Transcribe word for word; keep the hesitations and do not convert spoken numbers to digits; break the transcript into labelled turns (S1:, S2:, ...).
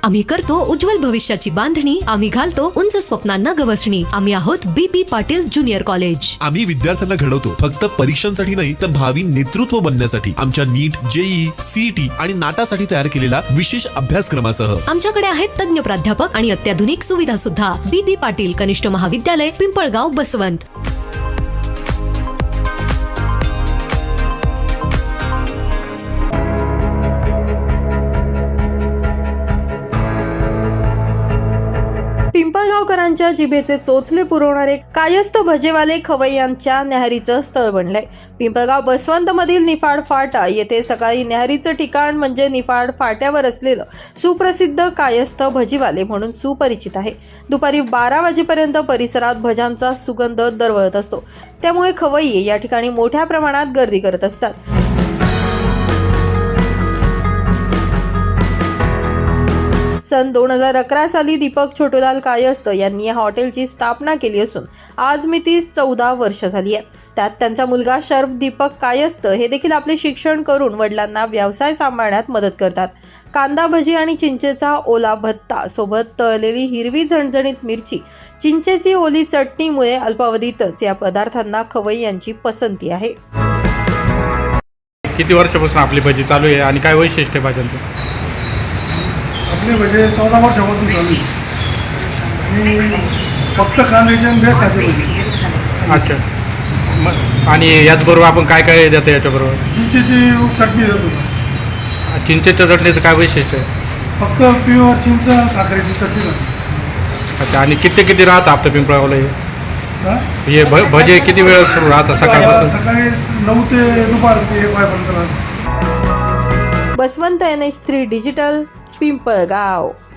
S1: आम्ही करतो उज्ज्वल भविष्याची बांधणी, आम्ही घालतो उंच स्वप्नांना गवसणी। आम्ही आहोत बी पी पाटील ज्युनियर कॉलेज।
S2: आम्ही विद्यार्थ्यांना घडवतो फक्त परीक्षांसाठी नाही तर भावी नेतृत्व बनण्यासाठी। आमच्या नीट, जेईई, सीईटी आणि नाटासाठी तयार केलेला विशेष अभ्यासक्रमासह
S1: आमच्याकडे आहेत तज्ञ प्राध्यापक आणि अत्याधुनिक सुविधा सुद्धा। बी पी पाटील कनिष्ठ महाविद्यालय, पिंपळगाव, बसवंत।
S3: पिंपळगावकरांच्या जिभेचे चोचले पुरवणारे कायस्थ भजेवाले खवय्यांच्या न्याहारीचं स्थळ बनलंय। पिंपळगाव बसवंत मधील निफाड फाटा येथे सकाळी न्याहारीचं ठिकाण म्हणजे निफाड फाट्यावर असलेलं सुप्रसिद्ध कायस्थ भजीवाले म्हणून सुपरिचित आहे। दुपारी बारा वाजेपर्यंत परिसरात भजांचा सुगंध दरवळत असतो, त्यामुळे खवय्ये या ठिकाणी मोठ्या प्रमाणात गर्दी करत असतात। सन दोन हजार अकरा साली दीपक छोटूलाल कायस्थ यांनी या हॉटेलची स्थापना केली असून आज मितीस चौदा वर्ष झाली आहे। त्यात त्यांचा मुलगा शर्फ दीपक कायस्थ हे देखील आपले शिक्षण करून वडिलांना व्यवसाय सांभाळण्यात मदत करतात। कांदा भजी आणि चिंचेचा ओला भत्ता सोबत तळलेली हिरवी झणझणीत मिरची, चिंचेची ओली चटणीमुळे अल्पावधीतच या पदार्थांना खवय्यांची पसंती आहे।
S4: किती वर्षापासून आपली भजी चालू आहे आणि काय वैशिष्ट्य आहे भाज्यांचं?
S5: आपले भजे चौदा वर्षापासून चालू आहे आणि फक्त कांद्याचे आणि बेसनाचे भजी।
S4: अच्छा, मग आणि याचबरोबर आपण काय काय देतो याच्याबरोबर?
S5: चिंचेची चटणी देतो।
S4: चिंचेच्या चटणीचं काय वैशिष्ट्य आहे?
S5: फक्त प्युअर चिंच आणि साखरेची चटणी लागते।
S4: अच्छा, आणि किती किती राहतं आपलं पिंपळगावला हे?
S5: हां,
S4: हे भ भजे किती वेळ सुरू राहतं सकाळपासून?
S5: सकाळी नऊ ते दुपार ते एक वाजेपर्यंत राहतं।
S3: Baswant N H three digital, Pimpalgaon.